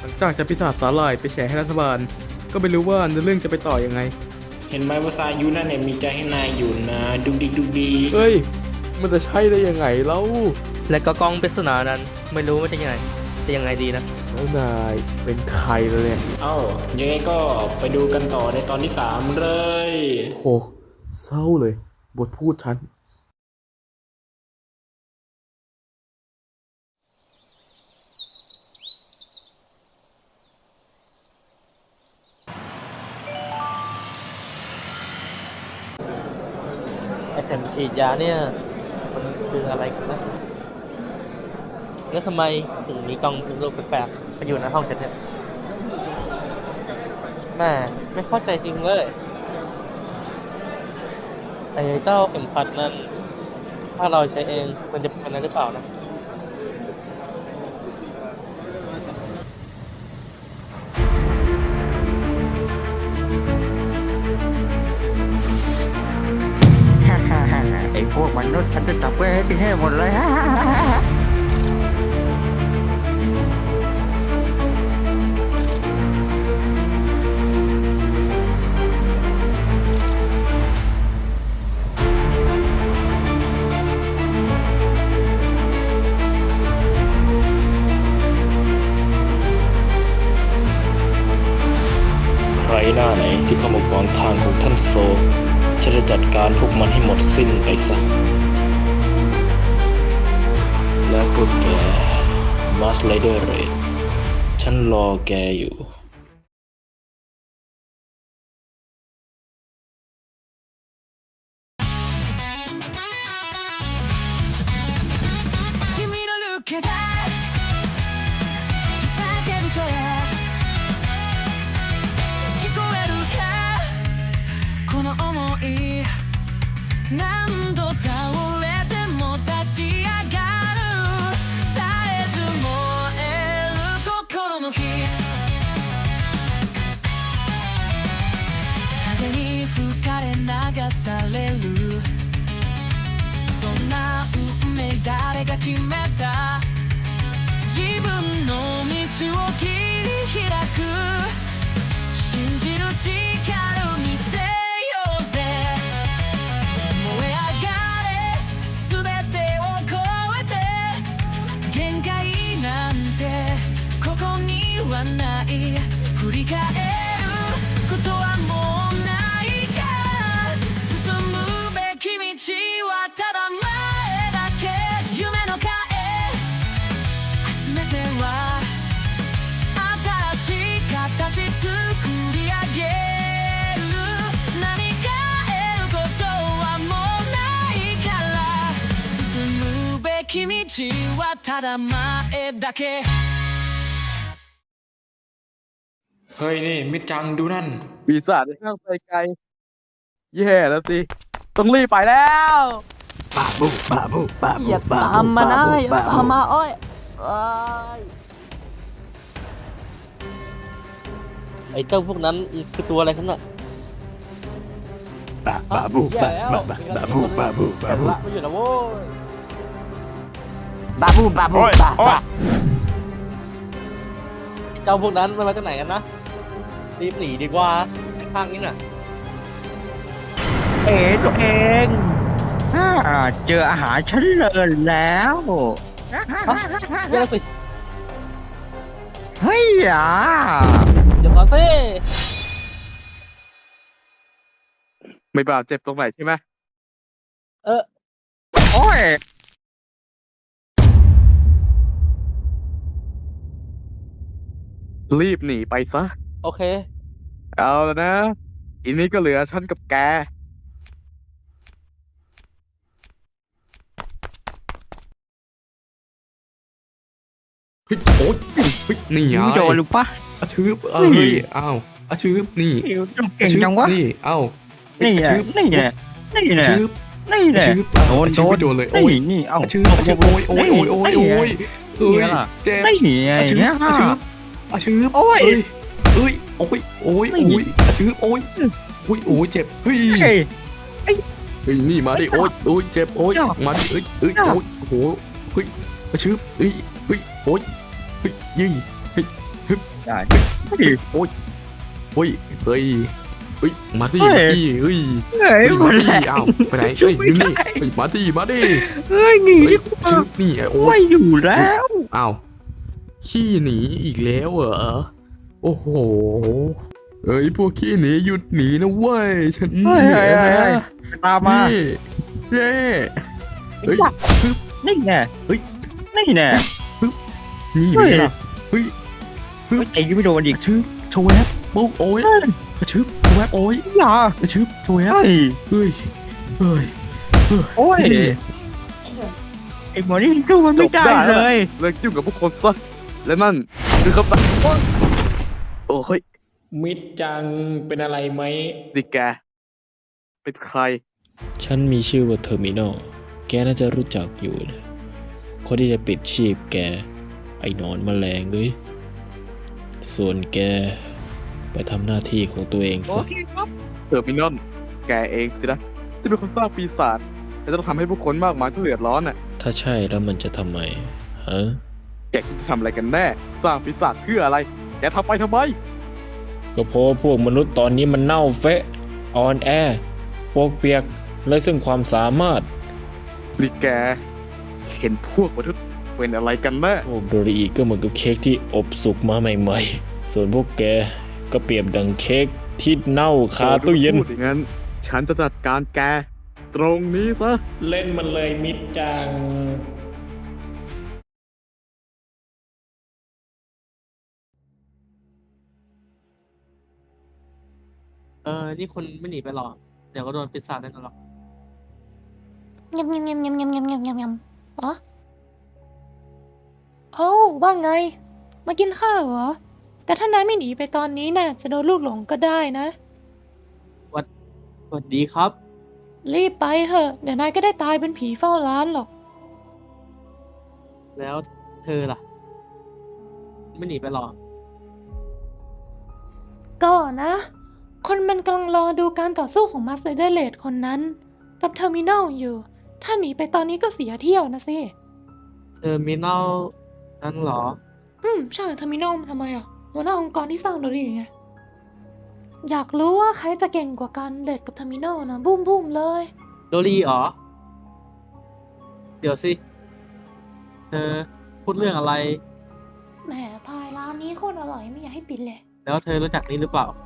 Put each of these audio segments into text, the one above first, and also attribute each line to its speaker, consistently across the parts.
Speaker 1: ลังจากจะพิสาสาหร่ายไปแฉให้รัฐบาลก็ไม่รู้ว่าเรื่องจะไปต่อยังไง
Speaker 2: เห็นไหมว่าซายุนั่นเนี่ยมีใจให้นายอยู่นะดุกดิกดุกดี
Speaker 1: เฮ้ยมันจะใช่ได้ยังไงเล่า
Speaker 3: และก็กล้องปริศนานั้นไม่รู้ว่าจะยังไงดีนะ
Speaker 1: แล้วนายเป็นใครเลยเนี่ย
Speaker 2: ยังไงก็ไปดูกันต่อในตอนที่3เลย
Speaker 1: โหเศร้าเลยบทพูดฉัน
Speaker 3: ไอเข็มฉีดยาเนี่ยมันคืออะไรกันนะแล้วทำไมถึงมีกล้องรูปแปลกๆมาอยู่ในห้องฉันเนี่ยแม่ไม่เข้าใจจริงเลยไอ้เจ้าเข็มขัดนั้นถ้าเราใช้เองมันจะเป็นอะไรหรือเปล่านะ
Speaker 4: ไอ้พวกมนุษย์ฉันจะจับไว้ให้กินให้หมดเลย
Speaker 2: ใครหน้าไหนที่เข้ามาขวางทางของท่านโซฉันจะจัดการพวกมันให้หมดสิ้นไปซะแล้วก็แกมาสไลเดอร์เรดฉันรอแกอยู่
Speaker 5: 何度倒れても立ち上がる絶えず燃える心の火風に吹かれ流されるそんな運命誰が決めた自分の道を切り開く信じる力を見せない振り返ることはもうないから進むべき道はただ前だけ夢の影集めては新しい形作り上げる何か得ることはもうないから進むべき道はただ前だけ
Speaker 2: เฮ้ยนี่มิจังดูนั่น
Speaker 1: ปีศาจข้างไปไกลแย่แล้วสิต้องรีบไปแล้ว
Speaker 4: บาบูบาบูบาบู
Speaker 3: อย่าตามมานะอย่าตามมาอ้อยไอ้เจ้าพวกนั้นคือตัวอะไรครับน่ะ
Speaker 4: บาบูบาบูบาบูบาบู
Speaker 3: ละไม่อยู่นะโว้ย
Speaker 4: บาบูบาบูบา
Speaker 3: ไอ้เจ้าพวกนั้นมันมาจากไหนกันนะรีบหนีดีกว่าข้างนี้น่ะ
Speaker 4: ตัวเองเจออาหารฉันเลยแล้ว
Speaker 3: เดี๋ยวสิ
Speaker 4: เฮ้ย
Speaker 3: เดี๋ยวก่อนสิ
Speaker 1: ไม่บาดเจ็บตรงไหนใช่ไหม
Speaker 4: โอ้ย
Speaker 1: รีบหนีไปซะ
Speaker 3: โอเค
Speaker 1: เอาแล้วนะอีนี้ก็เหลือฉันกับแกเฮ้ยโอ๊ยเฮ้ยนี่ไง
Speaker 4: โดนหรือปะ
Speaker 1: อาชืบเฮ้ยอ้าวอาชืบนี่
Speaker 4: เก่งจังวะ
Speaker 1: นี่เอ้า
Speaker 4: นี่ไงนี่ไงนี่ไง
Speaker 1: ชืบ
Speaker 4: นี่ไง
Speaker 1: โดนเลยโอ้ย
Speaker 4: นี่เอา
Speaker 1: อาชืบโอ้ยเฮ้ยเจ็บ
Speaker 4: นี่ไง
Speaker 1: อาชืบโอ้ยอาชืบโอ้ยเจ็บเฮ้ยนี่มาดิโอ้ยเจ็บโอ้ยมาดิโอ้ยโอ้โหเฮ้ยอาชืบโอ้ยยี่
Speaker 4: ได้
Speaker 1: โอ้ยเฮ้ยเฮ้ยมาดิ
Speaker 4: เฮ้ย
Speaker 1: มาดิเฮ้ย
Speaker 4: เฮ้ย
Speaker 1: เฮ้ย
Speaker 4: หม
Speaker 1: มา
Speaker 4: ด
Speaker 1: ดิ
Speaker 4: แล้ว
Speaker 1: อ้าวไปไหนเฮ้ย
Speaker 4: ไม่
Speaker 1: นี่
Speaker 4: ใช่
Speaker 1: เฮ้ยมาดิมาดิ
Speaker 4: เฮ้ยหนี
Speaker 1: เฮ้
Speaker 4: ดี
Speaker 1: ย
Speaker 4: กว่า
Speaker 1: ชึบนี่โอ้
Speaker 4: ไม่
Speaker 1: ย
Speaker 4: อยู่แล้ว
Speaker 1: อ้าวขี้หนีอีกแล้วเหรอโอ้โหเอ้ยพวกขี้หนีหยุดหนีนะเว้ยฉัน
Speaker 4: เฮ้ย
Speaker 1: เหนื่อยนะ
Speaker 4: ตามมา
Speaker 1: นี่เย้เฮ้ยปึ๊บ
Speaker 4: นี่แน่
Speaker 1: เฮ้ย
Speaker 4: นี่แน่
Speaker 1: นี่
Speaker 4: เฮ้ย
Speaker 1: ไงล่ะเฮ้ย
Speaker 4: ไม่ตีไม่โดนอีก
Speaker 1: กระชึบโชว์แวบปุ๊บโอ้ยกระชึบโชว์แวบโอ้ย
Speaker 4: อย่าก
Speaker 1: ระชึบโชว์แวบ
Speaker 4: เฮ้ย
Speaker 1: เฮ้ยเฮ้ย
Speaker 4: โอ้ย
Speaker 1: นี่
Speaker 4: ไอ้หมอนี่สู้มันไม่ได้เลย
Speaker 6: เลิกยุ่งกับพวกคนซะและนั่นคือคำตัดโอ้ย
Speaker 2: มิดจังเป็นอะไรไหม
Speaker 6: ดิแก เป็นใคร
Speaker 2: ฉันมีชื่อว่าเทอร์มินอลแกน่าจะรู้จักอยู่นะคนที่จะปิดชีพแก ไอ้หนอนแมลงเอ้ยส่วนแก ไปทำหน้าที่ของตัวเองซะ
Speaker 6: เทอร์มินอลแกเองสินะที่เป็นคนสร้างปีศาจและต้องทำให้ผู้คนมากมายต้องเดือดร้อนน่ะ
Speaker 2: ถ้าใช่แล้วมันจะทำไมฮะ
Speaker 6: แกคิดจะทำอะไรกันแน่ สร้างปีศาจเพื่ออะไร แกทำไปทำไม
Speaker 2: ก็เพราะว่าพวกมนุษย์ตอนนี้มันเน่าเฟะอ่อนแอพวกเปียกและซึ่งความสามารถ
Speaker 6: ดิแก เห็นพวกมนุษย์เป็นอะไรกันแน่
Speaker 2: พวกโดริอีก็เหมือนกับเค้กที่อบสุกมาใหม่ๆ ส่วนพวกแกก็เปรียบดังเค้กที่เน่าคาตู้เย็น
Speaker 6: พูดอย่างนั้น ฉันจะจัดการแก ตรงนี้ซะ
Speaker 2: เล่นมันเลยมิดจัง
Speaker 3: นี่คุณไม่หนีไปหรอกเดี๋ยวก็โดนปีศาจแน่นอนหรอก
Speaker 7: ยำยำยำยำยำยำยำยำยำอ๋อโอ้าว่าไง มากินข้าวเหรอ แต่ถ้านายไม่หนีไปตอนนี้น่ะจะโดนลูกหลงก็ได้นะ
Speaker 3: สวัสดีครับ
Speaker 7: รีบไปเถอะ เดี๋ยวนายก็ได้ตายเป็นผีเฝ้าร้านหรอก
Speaker 3: แล้วเธอล่ะ ไม่หนีไปหรอก
Speaker 7: ก็นะ คนมันกำลังรอดูการต่อสู้ของมาสเตอร์เลดคนนั้น กับเทอร์มินอลอยู่ ถ้าหนีไปตอนนี้ก็เสียเที่ยวนะสิ
Speaker 3: เทอร์มินอลนั่นเหรอ
Speaker 7: ใช่เทอร์มินอลทำไมอ่ะหัวหน้าองค์กรที่สร้างโดรีไง อยากรู้ว่าใครจะเก่งกว่ากันเลดกับเทอร์มินอลนะบุ้มเลย
Speaker 3: โดรีเหรอ เดี๋ยวสิ เธอพูดเรื่องอะไร
Speaker 7: แหมพายร้านนี้โคตรอร่อยไม่อยากให้ปิดเลย
Speaker 3: แล้วเธอรู้จักนี้หรือเปล่า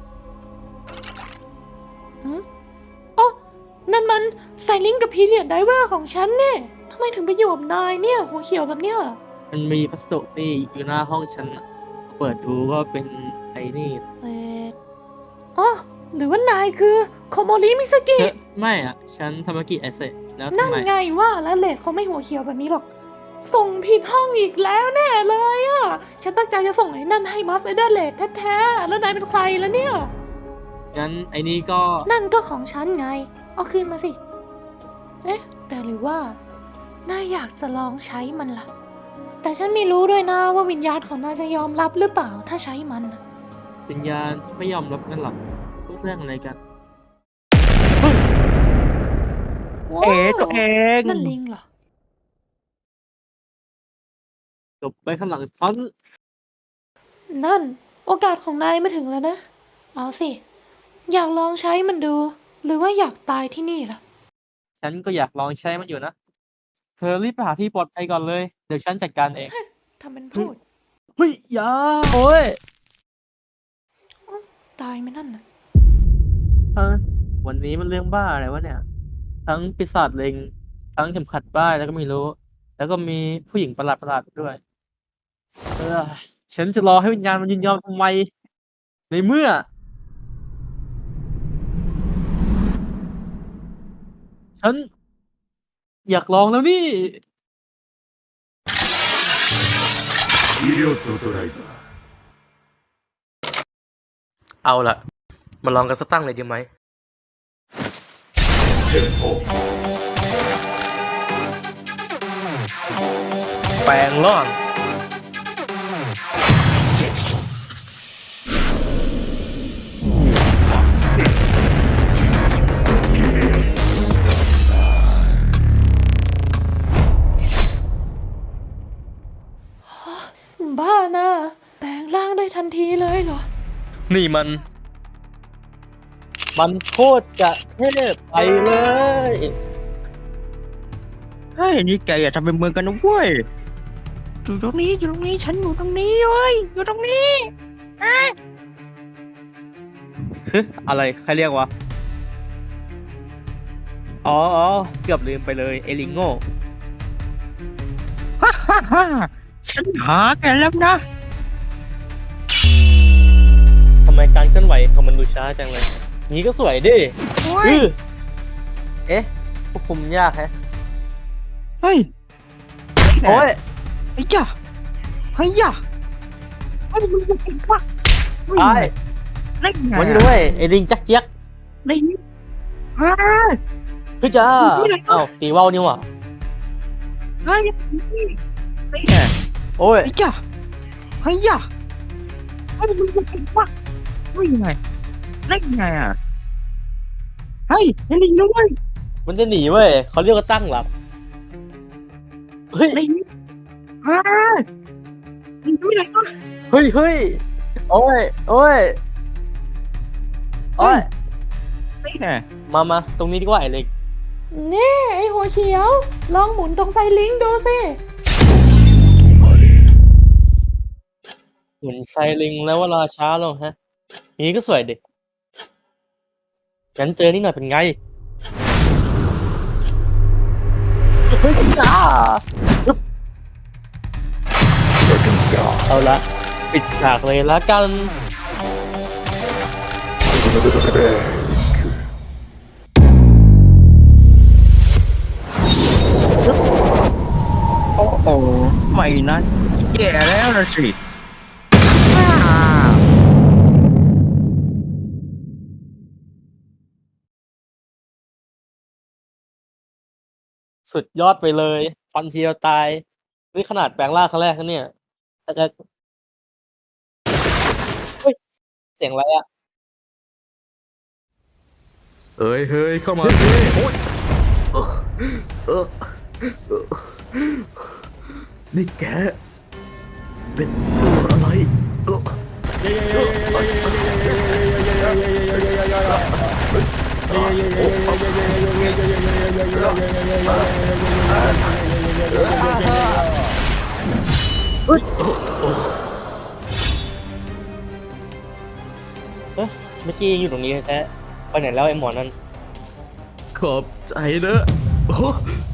Speaker 7: อ๋อนั่นมันไซลิงกับพีเรียดไดเวอร์ของฉันเนี่ยทำไมถึงไปอยู่กับนายเนี่ย หัวเขียวแบบเนี้ย
Speaker 3: มันมีพัสดุนี่อยู่หน้าห้องฉันน่ะเปิดดูก็เป็นไอ้นี่
Speaker 7: เอ็ดอ๋อหรือว่านายคือโคโมริมิสกิ
Speaker 3: เธอไม่อ่ะ ฉันทามากิไอเซแล้ว
Speaker 7: นั่
Speaker 3: ทำ
Speaker 7: น
Speaker 3: ไม
Speaker 7: ไงว่าแล้วเลดเขาไม่หัวเขียวแบบนี้หรอก ส่งผิดห้องอีกแล้วแน่เลยอ่ะ ฉันตั้งใจจะส่งไอ้นั่นให้มัสเดอร์เลดแท้ๆแล้วนายเป็นใครแล้วเนี่ย
Speaker 3: งั้นไอ้นี่ก็
Speaker 7: นั่นก็ของฉันไง เอาคืนมาสิ เอ๊ะ แต่หรือว่านายอยากจะลองใช้มันล่ะ แต่ฉันไม่รู้ด้วยนะว่าวิญญาณของนายจะยอมรับหรือเปล่าถ้าใช้มันน่ะ
Speaker 3: วิญญาณไม่ยอมรับกันหรอกพูดเรื่องอะไรกัน
Speaker 7: ว้า
Speaker 4: เอ๋ตัวเอง
Speaker 7: นั่นลิงเหรอ
Speaker 3: จบไปข้างหลังฉัน
Speaker 7: นั่น โอกาสของนายมาถึงแล้วนะ เอาสิ อยากลองใช้มันดู หรือว่าอยากตายที่นี่ล่ะ
Speaker 3: ฉันก็อยากลองใช้มันอยู่นะ เธอรีบไปหาที่ปลอดภัยก่อนเลย เดี๋ยวฉันจัดการเอง
Speaker 7: ทำเป็นพูด
Speaker 3: เฮ้ยอย่าโอ้ย
Speaker 7: ตายไหมนั่นน่ะ
Speaker 3: วันนี้มันเรื่องบ้าอะไรวะเนี่ย ทั้งปีศาจเล็ง ทั้งเข็มขัดบ้าแล้วก็ไม่รู้ แล้วก็มีผู้หญิงประหลาดๆด้วย ฉันจะรอให้วิญญาณมันยินยอมทำไม ในเมื่อ ฉัน อยากลองแล้วนี่
Speaker 8: เอาล่ะ มาลองกันสักตั้งเลยดีไหม แปลงร่าง
Speaker 7: บ้านะแปลงร่างได้ทันทันทีเลยเหรอ
Speaker 3: นี่มันโคตรจะเทพไปเลย
Speaker 4: เฮ้ยนี่แกอย่าทำเป็นเมืองกันนะเว้ยอยู่ตรงนี้ฉันอยู่ตรงนี้เว้ยอยู่ตรงนี้
Speaker 3: อะไรใครเรียกวะ อ๋อเกือบลืมไปเลยเอลิงโง่
Speaker 4: ฮ่าฉันหาแกแล้วนะ
Speaker 3: ทำไมการเคลื่อนไหวของมันดูช้าจังเลย นี้ก็สวยดิ
Speaker 4: โอ้ย
Speaker 3: อื้อเอ๊ะควบคุมยากแฮะ
Speaker 4: เฮ้ย
Speaker 3: โอ้ย
Speaker 4: ไอ้ย่าเฮ้ยย่าไอ้มึงเป็นวะ
Speaker 3: ไอ้
Speaker 4: เล่นไง
Speaker 3: วันนี้ด้วยเอลิงจักเจี๊ยก
Speaker 4: เล่นเฮ้ย
Speaker 3: คือจ้าอ้าวตีว่าวนี่หว่า
Speaker 4: เฮ้ยไอ้ไง
Speaker 3: โอ้ย
Speaker 4: ไอ้ย่าเฮ้ยย่าไอ้มึงเป็นวะเล่นไงเล่นไงอ่ะเฮ้ยไอ้ลิงนะเว้ย
Speaker 3: มันจะหนีเว้ยเขาเรียกว่าตั้งหลับ เฮ้ย
Speaker 4: ลิงเฮ้ยลิงด้วยนะ
Speaker 3: เฮ้ยโอ้ยโอ้ย
Speaker 4: ไอ้ไง
Speaker 3: มาตรงนี้ดีกว่าไอ้เล็ก
Speaker 7: นี่ไอหัวเขียว ลองหมุนตรงไซลิงดูสิ
Speaker 3: เหมือนไซลิงแล้วเวลาช้าลงฮะ นี้ก็สวยดิงั้นเจอนี่หน่อยเป็นไง เฮ้ยจ้าเอาละปิดฉากเลยละกัน
Speaker 4: โอ้โหไม่นะแย่แล้วนะสิ
Speaker 3: สุดยอดไปเลย ฟันทีเดียวตาย นี่ขนาดแปลงร่างครั้งแรกนะเนี่ยแต่เฮ้ย เสียงอะไรอะ
Speaker 1: เฮ้ยเข้ามาสิโอ๊ยเออนี่แกเป็นตัวอะไร
Speaker 3: เมื่อกี้ยังอยู่ตรงนี้แท้ไปไหนแล้วไอ้หมอนั่น
Speaker 1: ขอบใจนะโอ้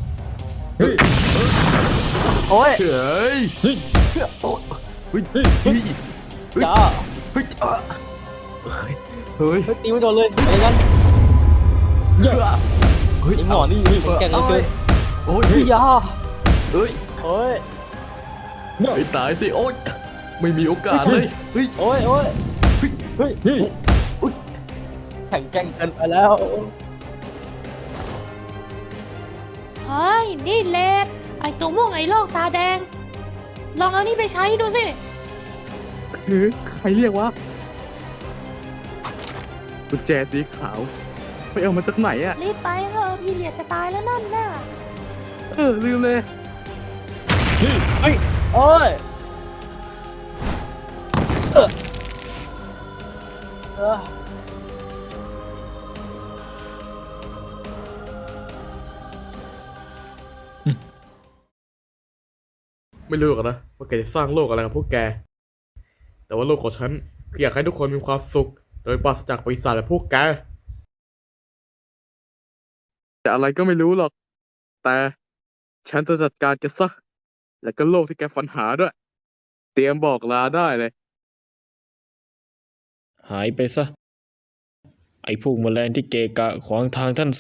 Speaker 3: โอ้ย
Speaker 1: เฮ้ยเฮ้ยโอ้เฮ้ยเฮ้ย
Speaker 3: จ้า
Speaker 1: เฮ้ยเฮ้ย
Speaker 3: เฮ้ยตีไม่โดนเลยอะไรกัน
Speaker 1: เฮ้ย
Speaker 3: ไอ้หมอนี่แก่งเหลือเกิน
Speaker 1: โอ้ย
Speaker 3: เฮ้ยยา
Speaker 1: เฮ้ย
Speaker 3: โอ้ย
Speaker 1: ไม่ตายสิโอ๊ยไม่มีโอกาสเลยเฮ้ย
Speaker 3: โอ้ย
Speaker 1: เฮ้ยโอ๊ย
Speaker 3: แข็งแกร่งเกินไปแล้ว
Speaker 7: เฮ้ย นี่เลดไอตัวม่วงไอโลกตาแดง ลองเอานี่ไปใช้ดูสิ
Speaker 6: ใครเรียกวะกุญแจสีขาว ไปเอามาจากไหนอ่ะ
Speaker 7: รีบไปเถอะพี่เหลียดจะตายแล้วนั่นน่ะ
Speaker 6: ลืมเลย
Speaker 3: โอ้ยเออ
Speaker 1: ไม่รู้หรอกนะว่าแกจะสร้างโลกอะไรกับพวกแก แต่ว่าโลกของฉันคืออยากให้ทุกคนมีความสุข โดยปราศจากปีศาจแบบพวกแก
Speaker 6: แต่อะไรก็ไม่รู้หรอก แต่ฉันจะจัดการแกซะ แล้วก็โลกที่แกฝันหาด้วย เตรียมบอกลาได้เลย
Speaker 2: หายไปซะ ไอ้พวกแมลงที่เกะกะขวางทางท่านโซ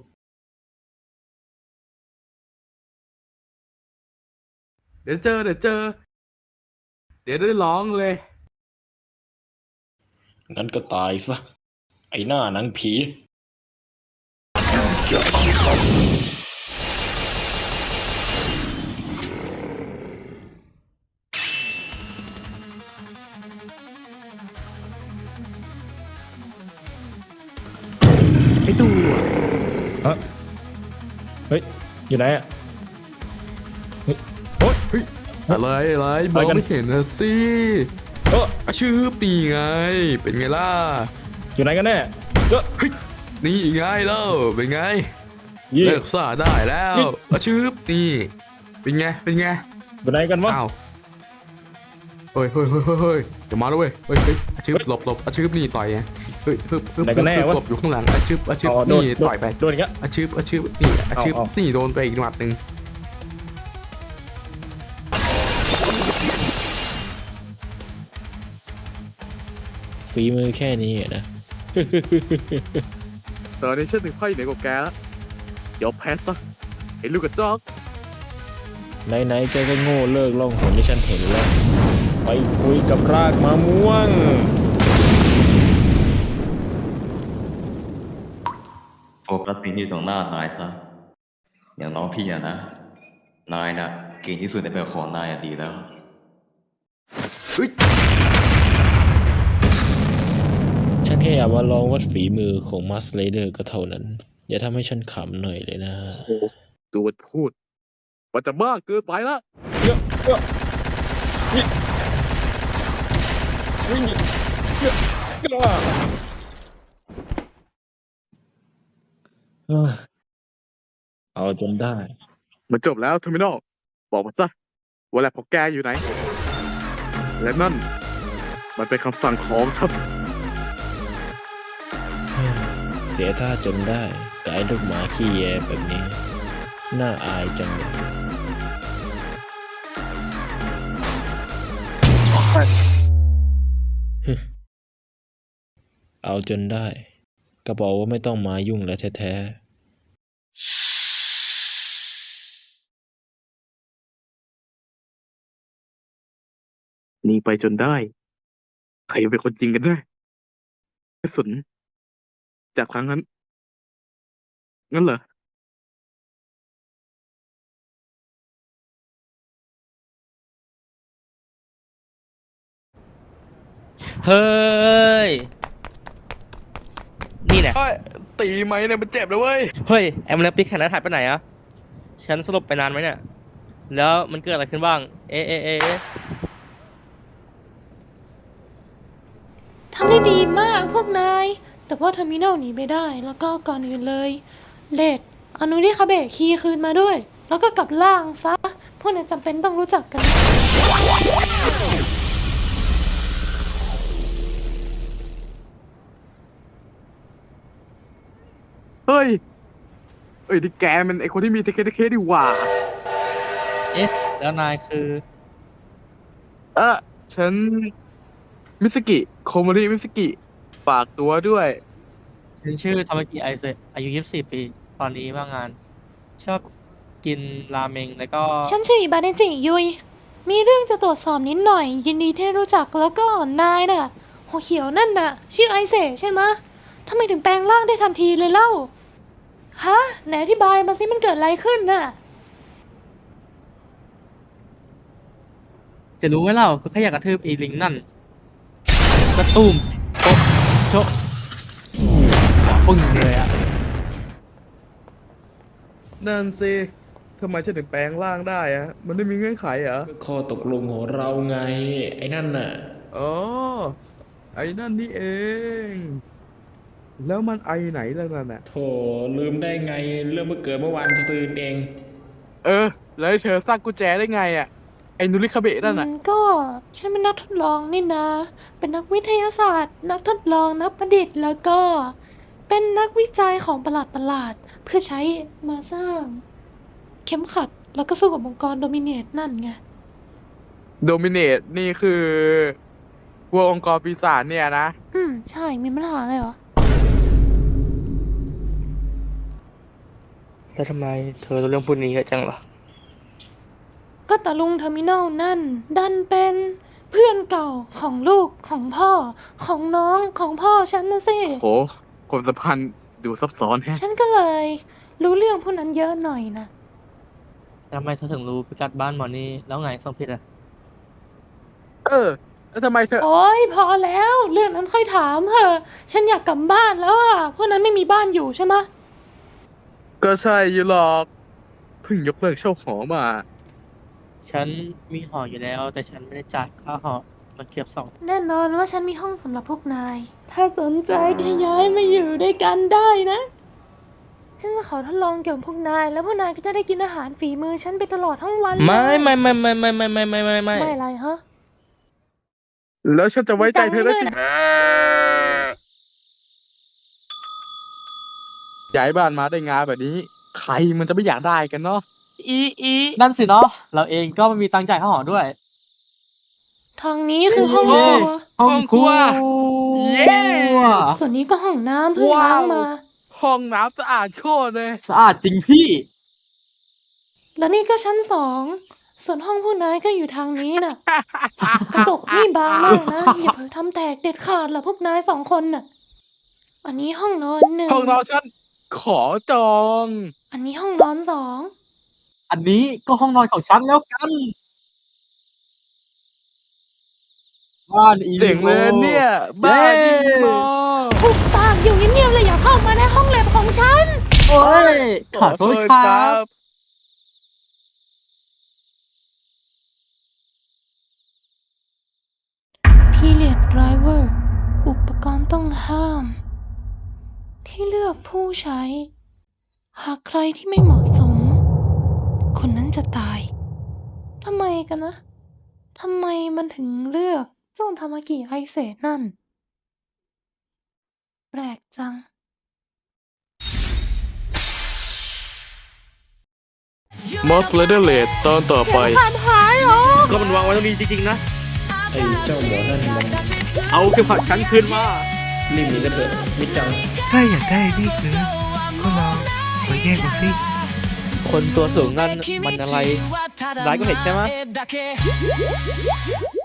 Speaker 1: เดี๋ยวเจอ เดี๋ยวได้ร้องเลย
Speaker 2: งั้นก็ตายซะ ไอ้หน้าหนังผี
Speaker 6: ไอ้ตัว
Speaker 2: เฮ้ย อยู่ไหนอ่ะ
Speaker 1: อะไรมองไม่เห็นนะสิ
Speaker 6: อาชืบนี่ไง เป็นไงล่ะ
Speaker 2: อยู่ไหนกันแน่เอ้อ
Speaker 6: เฮ้ยนี่ไงเล่าเป็นไง
Speaker 2: ยี่
Speaker 6: เลิกซ่าได้แล้วอาชืบนี่เป็นไงเป็นไง
Speaker 2: อยู่ไหนกันวะ
Speaker 6: อ้าวเฮ้ยเฮ้ยเฮ้ยเฮ้ยเฮ้ยเดี๋ยวมาแล้วเว้ยเฮ้ยเฮ้ยอาชืบหลบหลบอาชืบนี่ต่อยไงเฮ้ยฮึบฮึบ
Speaker 2: ไหนกันแน่วะ
Speaker 6: หลบอยู่ข้างหลังอาชืบอาชืบ
Speaker 2: อ๋อโดน
Speaker 6: นี่ต่อยไป
Speaker 2: โดนอีกแล้ว
Speaker 6: อาชืบอาชืบนี่อาชืบ
Speaker 2: เอา
Speaker 6: นี่โดนไปอีกหมัดหนึ่ง
Speaker 2: ฝีมือแค่นี้อะนะ
Speaker 6: ตอนนี้ฉันถึงไพ่เหนือกว่าแกแล้วเดี๋ยวแพ้ซะไอ้ลูกกระจอก
Speaker 2: ไหนๆแกก็โง่เลิกล่องหนที่ฉันเห็นแล้ว ไปคุยกับรากมะม่วง
Speaker 9: โฟกัสสิ่งที่อยู่ตรงหน้านายซะอย่างน้องพี่อะนะ นายน่ะเก่งที่สุดในแบบของนายอะดีแล้ว
Speaker 2: ฉันแค่อยากมาลองวัดฝีมือของมัสเลเดอร์ก็เท่านั้น อย่าทำให้ฉันขำหน่อยเลยนะ
Speaker 6: โอ้ตัวมันพูดมันจะบ้าเกินไปละ
Speaker 2: เอาจนได้
Speaker 6: มันจบแล้วเทอร์มินอลบอกมาซะว่าแลบของแกอยู่ไหน และนั่น มันเป็นคำสั่งของฉัน
Speaker 2: เสียท่าจนได้กายลูกหมาขี้แยแบบนี้ น่าอายจังเลยเอาจนได้ ก็บอกว่าไม่ต้องมายุ่งแล้วแท้ๆ
Speaker 6: หนีไปจนได้ ใครเป็นคนจริงกันแน่กระสุนจากครั้งนั้น งั้นเหรอ
Speaker 3: เฮ้ย นี่แหละ
Speaker 6: ตีไหมเนี่ยมันเจ็บเลยเว้ย
Speaker 3: เฮ้ย แอมเลปิกแข่งนั้นหายไปไหนอะฉันสลบไปนานไหมเนี่ย แล้วมันเกิดอะไรขึ้นบ้าง เอ๊ะเอ๊ะเอ๊ะเอ๊ะ
Speaker 7: ทำได้ดีมากพวกนาย แต่ว่าเทอร์มินอลหนีไม่ได้ แล้วก็ก่อนอื่นเลย เลดเอานูที่คาเบะคีย์คืนมาด้วย แล้วก็กลับล่างซะ พวกนายจำเป็นต้องรู้จักกัน
Speaker 6: เฮ้ย เอ้ยนี่แกมันไอคนที่มีเทเคดีหว่า
Speaker 3: เอ๊ะ แล้วนายคือ
Speaker 6: ฉัน มิสกิ โคโมริมิสกิ ฝากตัวด้วย
Speaker 3: ฉันชื่อทามากิไอเซะอายุ 24 ปี ตอนนี้ว่างงาน ชอบกินราเมงแล้วก็
Speaker 7: ฉันชื่ออิบาเนจิยุย มีเรื่องจะตรวจสอบนิดหน่อย ยินดีที่รู้จักแล้วก็นายน่ะ หัวเขียวนั่นน่ะ ชื่อไอเซะใช่ไหมะทำไมถึงแปลงร่างได้ทันทีเลยเล่า ฮะ ไหนอธิบายมาสิมันเกิดอะไรขึ้นน่ะ
Speaker 3: จะรู้ไหมเล่าก็แค่อยากกระทืบไอีลิงนั่นกระตุ้มโต๊ะโชะปึ้งเลยอะ
Speaker 1: นั่นสิทำไมฉันถึงแปลงร่างได้อะมันไม่มีเงื่อนไขเหรอ
Speaker 2: ข้อตกลงของเราไง ไอ้นั่นน่ะ
Speaker 1: อ๋อ ไอ้นั่นนี่เอง แล้วมันไอไหนล่ะนั่นน่ะ
Speaker 2: โถลืมได้ไง เรื่องเมื่อเกิดเมื่อวานซืนเอง
Speaker 6: แล้วเธอสร้างกุญแจได้ไงอ่ะ ไอ้นุริคาเบะนั่นน่ะ
Speaker 7: ก็ฉันเป็นนักทดลองนี่นะ เป็นนักวิทยาศาสตร์ นักทดลองนักประดิษฐ์แล้วก็ เป็นนักวิจัยของประหลาดเพื่อใช้มาสร้าง เข็มขัดแล้วก็สู้กับองค์กรโดมิเนตนั่นไง
Speaker 6: โดมิเนตนี่คือพวกองค์กรปีศาจเนี่ยนะ
Speaker 7: ใช่ มีปัญหาอะไรเหรอ
Speaker 3: แล้วทำไมเธอรู้เรื่องพวกนี้เยอะจังล่ะ
Speaker 7: ก็ตาลุงเทอร์มินอลนั่น ดันเป็นเพื่อนเก่าของลูกของพ่อ ของน้องของพ่อฉันนะสิ
Speaker 6: โหความสัมพันธ์ดูซับซ้อนแฮะ
Speaker 7: ฉันก็เลย รู้เรื่องพวกนั้นเยอะหน่อยนะ
Speaker 3: ทำไมเธอถึงรู้พิกัดบ้านหมอนี่แล้วไงส่งผิดอ่ะ
Speaker 6: แล้วทำไมเธอ
Speaker 7: โอ๊ยพอแล้ว เรื่องนั้นค่อยถามเถอะ ฉันอยากกลับบ้านแล้วอ่ะ พวกนั้นไม่มีบ้านอยู่ใช่ไหมะ
Speaker 6: ก็ใช่อยู่หรอก เพิ่งยกเลิกเช่าหอมา
Speaker 3: ฉันมีหออยู่แล้ว แต่ฉันไม่ได้จ่ายค่าหอมาเทียบสอง
Speaker 7: แน่นอนว่าฉันมีห้องสำหรับพวกนาย ถ้าสนใจก็ย้ายมาอยู่ด้วยกันได้นะ ฉันจะขอทดลองเกี่ยวกับพวกนาย แล้วพวกนายก็จะได้กินอาหารฝีมือฉันไปตลอดทั้งวันเลย
Speaker 3: ไม่
Speaker 7: ไม่อะไรฮะ
Speaker 6: แล้วฉันจะไว้ใจเธอได้จริงย้ายบ้านมาได้งานแบบนี้ ใครมันจะไม่อยากได้กันเนาะอี
Speaker 3: นั่นสิเนาะเราเองก็ไม่มีตังค์จ่ายค่าหอด้วย
Speaker 7: ทางนี้คือห้องครัว
Speaker 3: ห้องครัว
Speaker 6: เย้
Speaker 7: ส่วนนี้ก็ห้องน้ำเพิ่งล้างมา
Speaker 6: ห้องน้ำสะอาดโคตรเลย
Speaker 3: สะอาดจริงพี่
Speaker 7: แล้วนี่ก็ชั้น 2 ส่วนห้องพวกนายก็อยู่ทางนี้น่ะ กระจกนี่บางมากนะ อย่าเผลอทำแตกเด็ดขาดล่ะพวกนาย2 คนน่ะ อันนี้ห้องนอน1
Speaker 6: ห้องนอนฉันขอจอง
Speaker 7: อันนี้ห้องนอน2
Speaker 3: อันนี้ก็ห้องนอนของฉันแล้วกัน บ้านอี
Speaker 6: เจ๋งเลยเนี่ย บ้านดีมอ
Speaker 7: ทุกปากอยู่เงียบๆเลยอย่าเข้ามาในห้องแลบของฉัน
Speaker 3: โอ้ยขอโทษครับ
Speaker 7: Period Driver อุปกรณ์ต้องห้าม ที่เลือกผู้ใช้ หากใครที่ไม่เหมาะสม คนนั้นจะตาย ทำไมกันนะ ทำไมมันถึงเลือกเจ้าทามากิไอเศษนั่น แปลกจัง
Speaker 1: มอสเลเดอร์เลดตอนต่อไป
Speaker 7: ผ่านหายเหรอ
Speaker 3: ก็มันวางไว้ตรงนี้จริงๆนะ
Speaker 2: ไอ้เจ้าหมอนั่นมัน
Speaker 3: เอาเข็มขัดฉันคืนมา
Speaker 2: รีบหนีกันเถอะมิจัง
Speaker 4: ถ้าอยากได้นี่คือก็ลองมาแย่งกันสิ
Speaker 3: คนตัวสูงนั่นมันอะไร ร้ายก็เห็นใช่ไหม